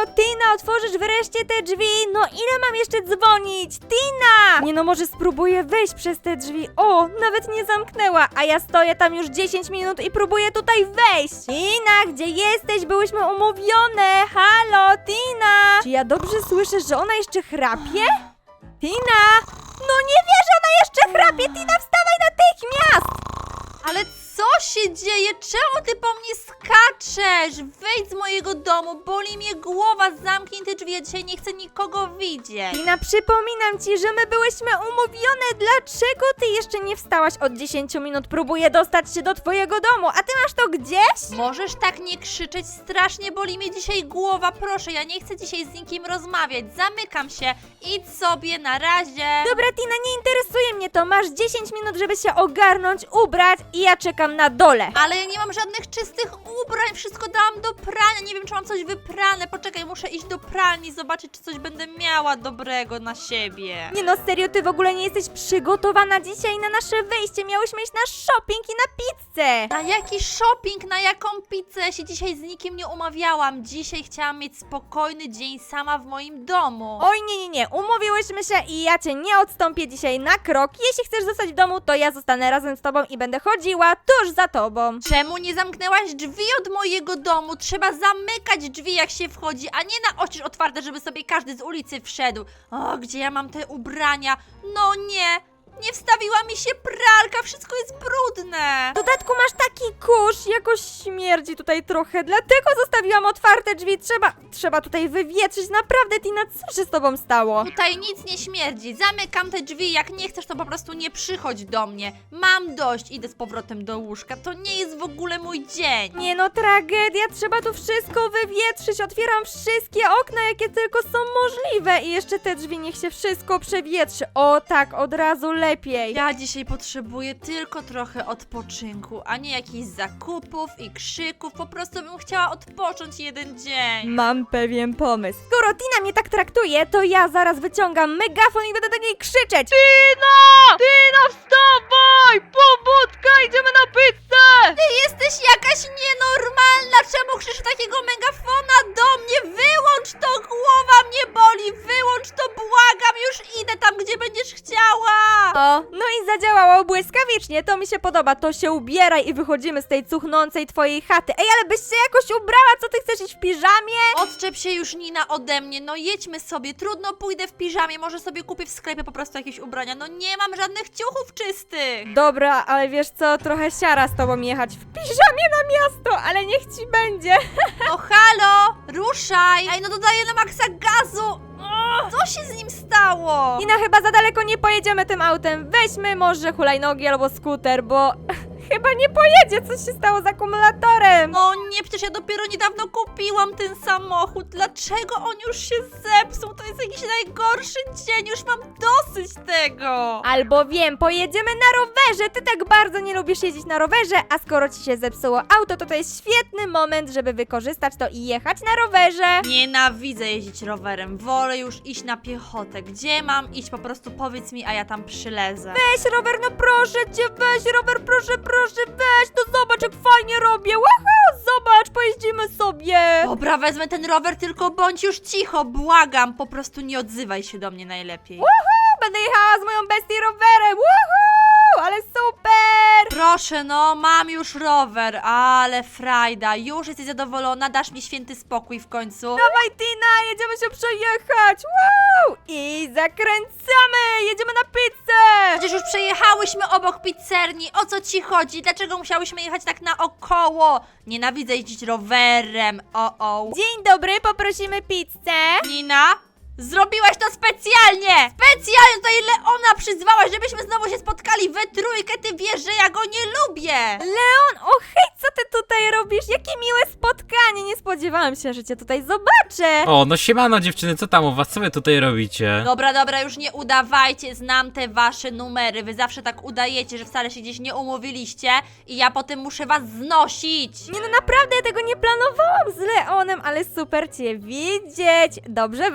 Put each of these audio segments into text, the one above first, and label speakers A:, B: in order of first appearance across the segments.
A: Halo, Tina, otworzysz wreszcie te drzwi? No ile mam jeszcze dzwonić? Tina! Nie no, może spróbuję wejść przez te drzwi. O, nawet nie zamknęła, a ja stoję tam już 10 minut i próbuję tutaj wejść. Tina, gdzie jesteś? Byłyśmy umówione. Halo, Tina! Czy ja dobrze słyszę, że ona jeszcze chrapie? Tina! No nie wierzę, ona jeszcze chrapie! Tina, wstawaj natychmiast!
B: Ale co się dzieje? Czemu ty po mnie skaczesz? Wyjdź z mojego domu, boli mnie głowa, zamknij te drzwi, ja dzisiaj nie chcę nikogo widzieć.
A: Tina, przypominam ci, że my byłyśmy umówione. Dlaczego ty jeszcze nie wstałaś od 10 minut? Próbuję dostać się do twojego domu, a ty masz to gdzieś?
B: Możesz tak nie krzyczeć, strasznie boli mnie dzisiaj głowa, proszę, ja nie chcę dzisiaj z nikim rozmawiać, zamykam się, idź sobie, na razie.
A: Dobra, Tina, nie interesuje mnie to. Masz 10 minut, żeby się ogarnąć, ubrać i ja czekam na dole.
B: Ale ja nie mam żadnych czystych ubrań, wszystko dałam do prania, nie wiem czy mam coś wyprane, poczekaj, muszę iść do pralni, zobaczyć czy coś będę miała dobrego na siebie.
A: Nie no, serio, ty w ogóle nie jesteś przygotowana dzisiaj na nasze wyjście. Miałyśmy iść na shopping i na pizzę.
B: Na jaki shopping, na jaką pizzę? Ja się dzisiaj z nikim nie umawiałam. Dzisiaj chciałam mieć spokojny dzień sama w moim domu.
A: Oj, nie, umówiłyśmy się i ja cię nie odstąpię dzisiaj na krok. Jeśli chcesz zostać w domu, to ja zostanę razem z tobą i będę chodziła tuż za tobą.
B: Czemu nie zamknęłaś drzwi od mojego domu? Trzeba zamykać drzwi jak się wchodzi, a nie na oczy otwarte, żeby sobie każdy z ulicy wszedł. O, gdzie ja mam te ubrania? No nie! Nie wstawiła mi się pralka, wszystko jest brudne.
A: W dodatku masz taki kurz, jakoś śmierdzi tutaj trochę, dlatego zostawiłam otwarte drzwi. Trzeba tutaj wywietrzyć. Naprawdę, Tina, co się z tobą stało?
B: Tutaj nic nie śmierdzi. Zamykam te drzwi. Jak nie chcesz, to po prostu nie przychodź do mnie. Mam dość. Idę z powrotem do łóżka. To nie jest w ogóle mój dzień.
A: Nie no, tragedia, trzeba tu wszystko wywietrzyć. Otwieram wszystkie okna, jakie tylko są możliwe. I jeszcze te drzwi, niech się wszystko przewietrzy. O tak, od razu lepiej.
B: Ja dzisiaj potrzebuję tylko trochę odpoczynku, a nie jakichś zakupów i krzyków. Po prostu bym chciała odpocząć jeden dzień.
A: Mam pewien pomysł. Skoro Tina mnie tak traktuje, to ja zaraz wyciągam megafon i będę do niej krzyczeć. Tina! Tina, wstawaj! Pobudka, idziemy na pizzę!
B: Ty jesteś jakaś nienormalna! Czemu krzyczysz takiego megafona do mnie? Wyłącz to! Głowa mnie boli! Wyłącz to! Błagam! Już idę tam, gdzie będziesz chciała!
A: O, no i zadziałało błyskawicznie, to mi się podoba. To się ubieraj i wychodzimy z tej cuchnącej twojej chaty. Ej, ale byś się jakoś ubrała, co ty chcesz iść w piżamie?
B: Odczep się już, Nina, ode mnie. No jedźmy sobie. Trudno pójdę w piżamie. Może sobie kupię w sklepie po prostu jakieś ubrania. No nie mam żadnych ciuchów czystych.
A: Dobra, ale wiesz co, trochę siara z tobą jechać w piżamie na miasto, ale niech ci będzie.
B: No halo! Ruszaj! Ej, no dodaję na maksa gazu! Co się z nim stało?
A: Nina, chyba za daleko nie pojedziemy tym autem. Weźmy może hulajnogi albo skuter, bo chyba nie pojedzie. Co się stało z akumulatorem?
B: O nie, przecież ja dopiero niedawno kupiłam ten samochód. Dlaczego on już się zepsuł? To jest jakiś najgorszy dzień. Już mam dosyć tego.
A: Albo wiem, pojedziemy na rowerze. Ty tak bardzo nie lubisz jeździć na rowerze, a skoro ci się zepsuło auto, to jest świetny moment, żeby wykorzystać to i jechać na rowerze.
B: Nienawidzę jeździć rowerem. Wolę już iść na piechotę. Gdzie mam iść? Po prostu powiedz mi, a ja tam przylezę.
A: Weź rower, no proszę cię, weź rower, proszę, weź, to zobacz jak fajnie robię. Wow, zobacz, pojeździmy sobie.
B: Dobra, wezmę ten rower, tylko bądź już cicho, błagam. Po prostu nie odzywaj się do mnie najlepiej.
A: Będę jechała z moją bestii rowerem. Woohoo, ale super.
B: Proszę, no, mam już rower, ale frajda. Już jesteś zadowolona? Dasz mi święty spokój w końcu?
A: Dawaj, Tina, jedziemy się przejechać. Wow, i zakręcamy, jedziemy na pizzę.
B: Przecież już przejechałyśmy obok pizzerni. O co ci chodzi? Dlaczego musiałyśmy jechać tak naokoło? Nienawidzę jeździć rowerem. O.
A: Dzień dobry, poprosimy pizzę.
B: Nina? Zrobiłaś to specjalnie! Specjalnie tutaj Leona przyzwałaś, żebyśmy znowu się spotkali we trójkę. Ty wiesz, że ja go nie lubię!
A: Leon, o hej, co ty tutaj robisz? Jakie miłe spotkanie, nie spodziewałam się, że cię tutaj zobaczę.
C: O, no siemano dziewczyny, co tam u was? Co wy tutaj robicie?
B: Dobra, już nie udawajcie, znam te wasze numery. Wy zawsze tak udajecie, że wcale się gdzieś nie umówiliście i ja potem muszę was znosić.
A: Nie no, naprawdę, ja tego nie planowałam z Leonem, ale super cię widzieć. Dobrze wyglądasz.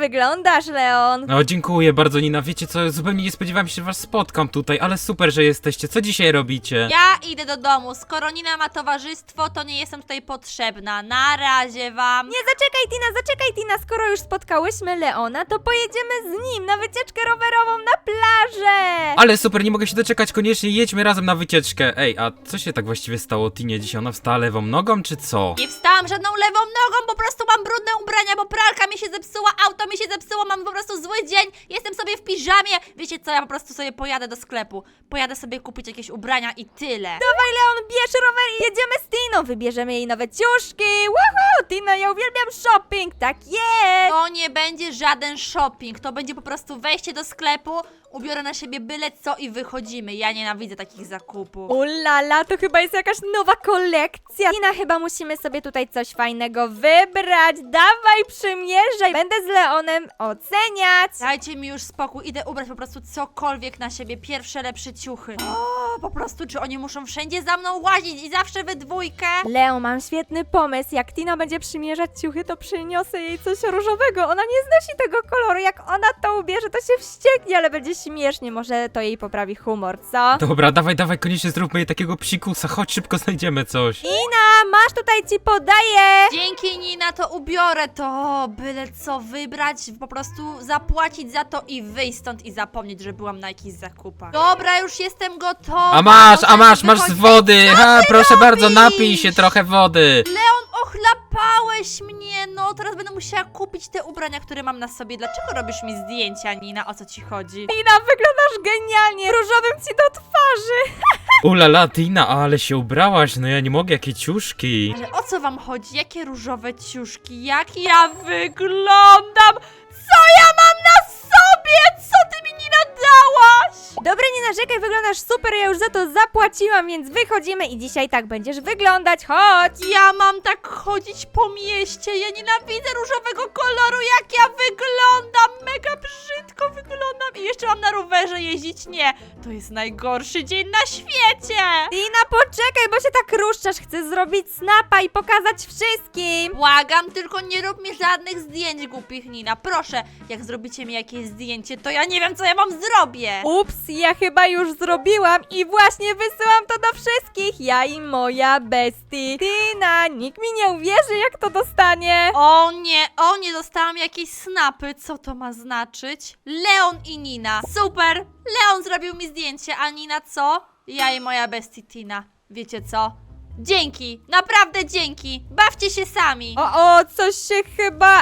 A: wyglądasz, Leon.
C: No, dziękuję bardzo, Nina. Wiecie co, zupełnie nie spodziewałem się, że was spotkam tutaj, ale super, że jesteście. Co dzisiaj robicie?
B: Ja idę do domu. Skoro Nina ma towarzystwo, to nie jestem tutaj potrzebna. Na razie wam.
A: Nie, zaczekaj Tina, skoro już spotkałyśmy Leona, to pojedziemy z nim na wycieczkę rowerową na plażę.
C: Ale super, nie mogę się doczekać, koniecznie jedźmy razem na wycieczkę. Ej, a co się tak właściwie stało Tinie dzisiaj? Ona wstała lewą nogą, czy co?
B: Nie wstałam żadną lewą nogą, po prostu mam brudne ubrania, bo pralka mi się zepsuła, auto mi się zepsuło, mam po prostu zły dzień, jestem sobie w piżamie. Wiecie co, ja po prostu sobie pojadę do sklepu. Pojadę sobie kupić jakieś ubrania i tyle.
A: Dawaj, Leon, bierz rower i jedziemy z Tiną. Wybierzemy jej nowe ciuszki. Woohoo, Tina, ja uwielbiam shopping, tak jest.
B: To nie będzie żaden shopping, to będzie po prostu wejście do sklepu, ubiorę na siebie byle co i wychodzimy. Ja nienawidzę takich zakupów.
A: Ulala, to chyba jest jakaś nowa kolekcja. Tina, chyba musimy sobie tutaj coś fajnego wybrać. Dawaj, przymierzaj. Będę z Leonem oceniać.
B: Dajcie mi już spokój, idę ubrać po prostu cokolwiek na siebie, pierwsze lepsze ciuchy. O, po prostu, czy oni muszą wszędzie za mną łazić i zawsze we dwójkę?
A: Leo, mam świetny pomysł. Jak Tina będzie przymierzać ciuchy, to przyniosę jej coś różowego. Ona nie znosi tego koloru. Jak ona to ubierze, to się wścieknie, ale będzie śmiesznie. Może to jej poprawi humor, co?
C: Dobra, dawaj, koniecznie zróbmy jej takiego psikusa. Chodź, szybko znajdziemy coś.
A: Tina, masz tutaj, ci podaję.
B: Dzięki, Nina, to ubiorę to. Byle co wybrać, po prostu zapłacić za to i wyjść stąd i zapomnieć, że byłam na jakichś zakupach. Dobra, już jestem gotowa.
C: A masz
B: Możemy
C: z
B: wychodzić.
C: wody. Ha, proszę bardzo,
B: robisz?
C: napij się trochę wody.
B: Leon, ochlapałeś mnie. No, teraz będę musiała kupić te ubrania, które mam na sobie. Dlaczego robisz mi zdjęcia, Nina? O co ci chodzi?
A: Tina, wyglądasz genialnie. Różowym ci do twarzy.
C: Ulala, Tina, ale się ubrałaś. No ja nie mogę, jakie ciuszki.
B: Ale o co wam chodzi? Jakie różowe ciuszki? Jak ja wyglądam? Co ja mam na sobie? Co ty mi nie nadałaś?
A: Dobra, nie narzekaj, wyglądasz super, ja już za to zapłaciłam, więc wychodzimy i dzisiaj tak będziesz wyglądać, chodź!
B: Ja mam tak chodzić po mieście. Ja nienawidzę różowego koloru, jak ja wyglądam. Mega brzydko wyglądam. I jeszcze mam na rowerze jeździć? Nie. To jest najgorszy dzień na świecie.
A: Tina, poczekaj, bo się tak ruszczasz, chcę zrobić snapa i pokazać wszystkim!
B: Błagam, tylko nie rób mi żadnych zdjęć, głupich, Nina. Proszę, jak zrobicie mi jakieś zdjęcie, to ja nie wiem, co ja wam zrobię.
A: Ups, ja chyba już zrobiłam i właśnie wysyłam to do wszystkich, ja i moja bestie. Tina, nikt mi nie uwierzy, jak to dostanie.
B: O nie, dostałam jakieś snapy. Co to ma znaczyć? Leon i Nina. Super! Leon zrobił mi zdjęcie, a Nina co? Ja i moja bestie Tina. Wiecie co? Dzięki! Naprawdę dzięki! Bawcie się sami!
A: O, coś się chyba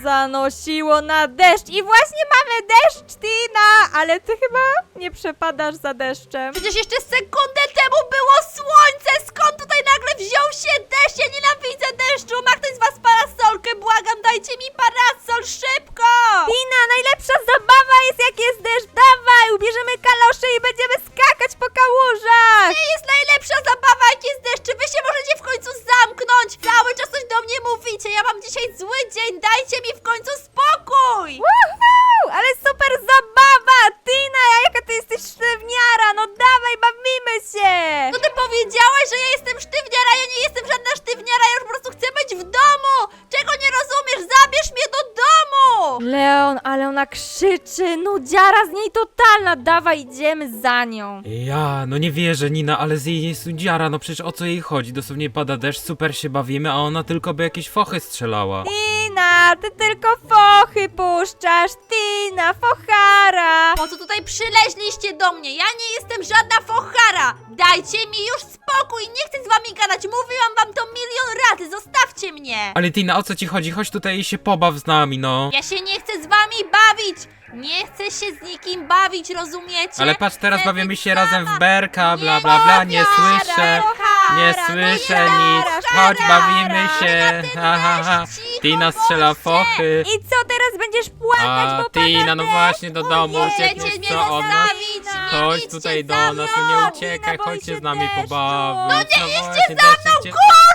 A: zanosiło na deszcz i właśnie mamy deszcz, Tina, ale ty chyba nie przepadasz za deszczem.
B: Przecież jeszcze sekundę temu było słońce! Skąd tutaj nagle wziął się deszcz? Ja nienawidzę deszczu! Ma ktoś z was parasolkę? Błagam, dajcie mi parasol, szybko!
A: Tina, najlepsza zabawa jest jak jest deszcz, dawaj, ubierzemy kalosze i będziemy skakać po kałużach.
B: Nie jest najlepsza zabawa, jak jest deszcz! Czy wy się możecie w końcu zamknąć? Cały czas coś do mnie mówicie! Ja mam dzisiaj zły dzień, dajcie mi w końcu spokój!
A: Woohoo, ale super zabawa, Tina, jaka ty jesteś sztywniara, no dawaj, bawimy się.
B: No ty powiedziałeś, że ja jestem sztywniara, ja nie jestem żadna sztywniara, ja już po prostu chcę być w domu! Czego nie rozumiesz? Zabierz mnie do domu!
A: Leon, ale ona krzyczy, nudziara z niej totalna, dawaj, idziemy za nią.
C: Ja, no nie wierzę, Nina, ale z jej jest udziara. No przecież o co jej chodzi? Dosłownie pada deszcz, super się bawimy, a ona tylko by jakieś fochy strzelała.
A: Tina, ty tylko fochy puszczasz, Tina, fochara.
B: Po co tutaj przyleźliście do mnie? Ja nie jestem żadna fochara! Dajcie mi już spokój, nie chcę z wami gadać, mówiłam wam to milion razy, zostawcie mnie!
C: Ale Tina, o co ci chodzi? Chodź tutaj i się pobaw z nami, no.
B: Ja się nie chcę z wami bawić! Nie chcę się z nikim bawić, rozumiecie?
C: Ale patrz, teraz
B: Chcę
C: bawimy
B: być
C: się razem
B: sama.
C: w berka, bla
B: Nie
C: bla bla, nie
B: fochara,
C: słyszę.
B: fochara,
C: Nie
B: no
C: słyszę
B: nie
C: nic.
B: fochara.
C: Chodź, bawimy się.
B: Tina, ty
C: Ha, ha, ha.
B: też cicho,
C: Tina strzela
B: bądźcie.
C: fochy.
A: I co teraz będziesz płakać,
C: A
A: bo pada
C: Tina, no
A: deszcz?
C: właśnie do domu,
A: Ojej,
C: uciekniesz
B: Chcecie mnie
C: co od nas?
B: zostawić? Nie
C: Chodź
B: idźcie
C: tutaj do
B: za
C: nas,
B: mną.
C: no nie uciekaj,
A: Tina, boi
C: chodź się
A: się
C: z nami
A: deszczu.
C: pobawić.
B: No nie idźcie
C: właśnie,
B: za
C: deszcz
B: mną,
C: idzie.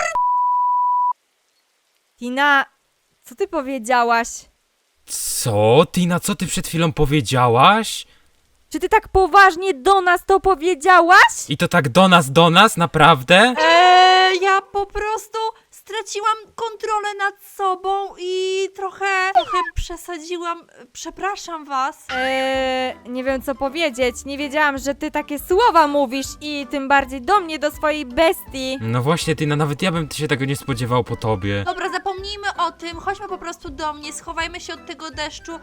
A: Tina, co ty powiedziałaś?
C: Co? Tina, co ty przed chwilą powiedziałaś?
A: Czy ty tak poważnie do nas to powiedziałaś?
C: I to tak do nas, naprawdę?
B: Ja po prostu straciłam kontrolę nad sobą i trochę przesadziłam, przepraszam was.
A: Nie wiem co powiedzieć. Nie wiedziałam, że ty takie słowa mówisz i tym bardziej do mnie, do swojej bestii.
C: No właśnie, Tina, nawet ja bym się tego nie spodziewał po tobie.
B: Dobra, zapomnijmy o tym, chodźmy po prostu do mnie, schowajmy się od tego deszczu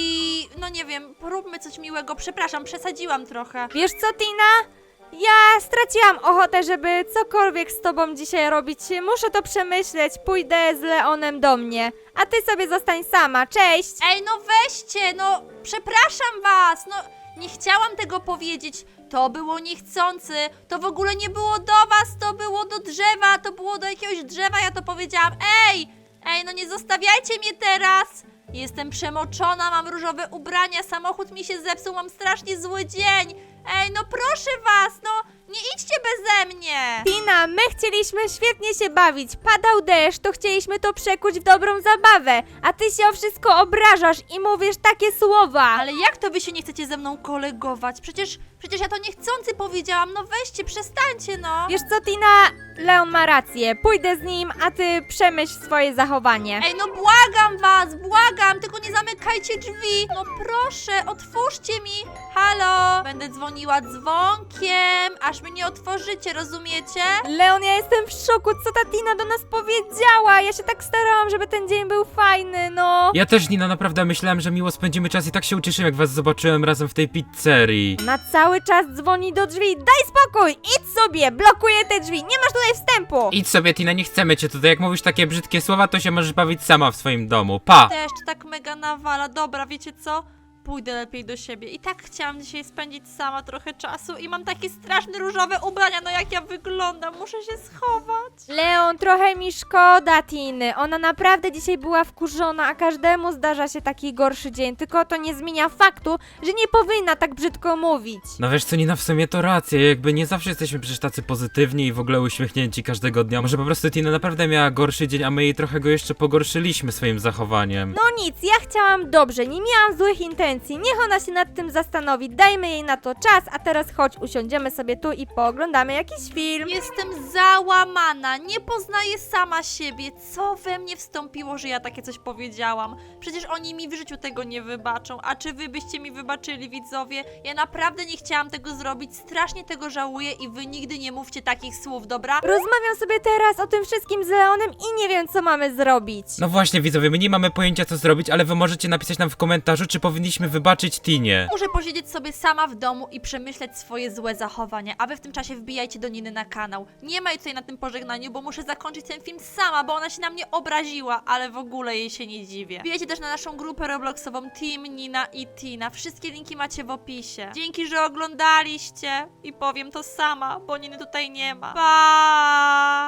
B: i no nie wiem, poróbmy coś miłego. Przepraszam, przesadziłam trochę.
A: Wiesz co, Tina? Ja straciłam ochotę, żeby cokolwiek z tobą dzisiaj robić. Muszę to przemyśleć. Pójdę z Leonem do mnie. A ty sobie zostań sama. Cześć!
B: Ej, no weźcie, no przepraszam was, no nie chciałam tego powiedzieć. To było niechcący, to w ogóle nie było do was, to było do drzewa, to było do jakiegoś drzewa, ja to powiedziałam. Ej, no nie zostawiajcie mnie teraz. Jestem przemoczona, mam różowe ubrania, samochód mi się zepsuł, mam strasznie zły dzień. Ej, no proszę was, no nie idźcie beze mnie.
A: Tina, my chcieliśmy świetnie się bawić. Padał deszcz, to chcieliśmy to przekuć w dobrą zabawę. A ty się o wszystko obrażasz i mówisz takie słowa.
B: Ale jak to wy się nie chcecie ze mną kolegować? Przecież ja to niechcący powiedziałam, no weźcie, przestańcie no.
A: Wiesz co, Tina? Leon ma rację. Pójdę z nim, a ty przemyśl swoje zachowanie.
B: Ej, no błagam was, błagam, tylko nie zamykajcie drzwi. No proszę, otwórzcie mi. Halo? Będę dzwoniła dzwonkiem, aż mi nie otworzycie, rozumiecie?
A: Leon, ja jestem w szoku, co ta Tina do nas powiedziała. Ja się tak starałam, żeby ten dzień był fajny, no.
C: Ja też, Nina, naprawdę myślałem, że miło spędzimy czas i tak się ucieszyłem, jak was zobaczyłem razem w tej pizzerii.
A: Ona cały czas dzwoni do drzwi. Daj spokój, idź sobie, blokuję te drzwi, nie masz tutaj wstępu.
C: Idź sobie, Tina, nie chcemy cię tutaj. Jak mówisz takie brzydkie słowa, to się możesz bawić sama w swoim domu. Pa!
B: Deszcz tak mega nawala, dobra, wiecie co? Pójdę lepiej do siebie. I tak chciałam dzisiaj spędzić sama trochę czasu i mam takie straszne różowe ubrania, no jak ja wyglądam, muszę się schować.
A: Leon, trochę mi szkoda Tiny. Ona naprawdę dzisiaj była wkurzona, a każdemu zdarza się taki gorszy dzień. Tylko to nie zmienia faktu, że nie powinna tak brzydko mówić.
C: No wiesz co, Nina, w sumie to racja, jakby nie zawsze jesteśmy przecież tacy pozytywni i w ogóle uśmiechnięci każdego dnia. Może po prostu Tina naprawdę miała gorszy dzień, a my jej trochę go jeszcze pogorszyliśmy swoim zachowaniem.
A: No nic, ja chciałam dobrze, nie miałam złych intencji. Niech ona się nad tym zastanowi, dajmy jej na to czas, a teraz chodź, usiądziemy sobie tu i pooglądamy jakiś film.
B: Jestem załamana, nie poznaję sama siebie. Co we mnie wstąpiło, że ja takie coś powiedziałam? Przecież oni mi w życiu tego nie wybaczą. A czy wy byście mi wybaczyli, widzowie? Ja naprawdę nie chciałam tego zrobić, strasznie tego żałuję i wy nigdy nie mówcie takich słów, dobra?
A: Rozmawiam sobie teraz o tym wszystkim z Leonem i nie wiem, co mamy zrobić.
C: No właśnie, widzowie, my nie mamy pojęcia co zrobić, ale wy możecie napisać nam w komentarzu, czy powinniśmy wybaczyć Tinie.
B: Muszę posiedzieć sobie sama w domu i przemyśleć swoje złe zachowania, a wy w tym czasie wbijajcie do Niny na kanał. Nie ma jej tutaj na tym pożegnaniu, bo muszę zakończyć ten film sama, bo ona się na mnie obraziła, ale w ogóle jej się nie dziwię. Wbijajcie też na naszą grupę robloxową Team Nina i Tina. Wszystkie linki macie w opisie. Dzięki, że oglądaliście i powiem to sama, bo Niny tutaj nie ma. Pa!